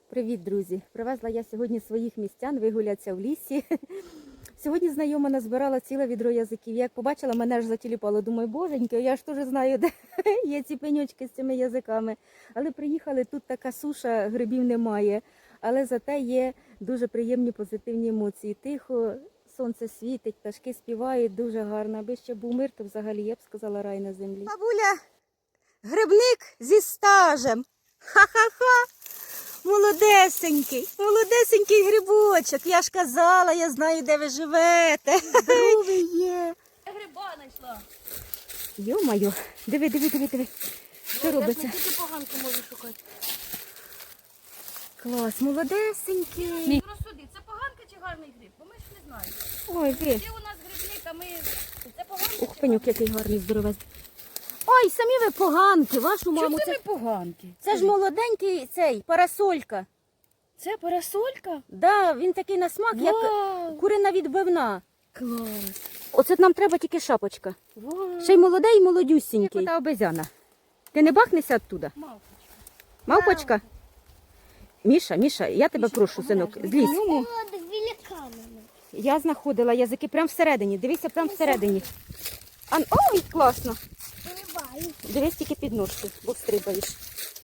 Привіт, друзі! Привезла я сьогодні своїх містян вигулятися в лісі. Сьогодні знайома назбирала ціле відро язиків. Як побачила, мене аж затіліпало. Думаю, боженьки, я ж теж знаю, де є ці пеньочки з цими язиками. Але приїхали, тут така суша, грибів немає. Але зате є дуже приємні позитивні емоції. Тихо, сонце світить, пташки співають, дуже гарно. Аби ще був мир, то взагалі я б сказала рай на землі. Бабуля, грибник зі стажем. Ха-ха-ха! Молодесенький, молодесенький грибочок. Я ж казала, я знаю, де ви живете. Здоровий є. Я гриба знайшла. Йо-моє, диви. Що робиться? Я тільки поганку можу шукати. Клас, молодесенький. Розсуди, це поганка чи гарний гриб? Бо ми ж не знаємо. Ой, ви. Де у нас грибник, а ми... Це поганка Ух, чи пенюк, який гарний, здоровезний. Ой, самі ви поганки, вашу маму. Чому це ми поганки? Це ж молоденький цей, парасолька. Це парасолька? Да, він такий на смак, як Вау! курина відбивна. Клас! Оце нам треба тільки шапочка. Вау! Ще й молодий, і молодюсінький. Та обезяна. Ти не бахнешся оттуда? Мавпочка. Мавпочка? Міша, я тебе прошу, синок, злізь. Я знаходила язики прямо всередині. Дивися, прямо всередині. Ой, класно. Дивись тільки під ножки, бо встрибаєш.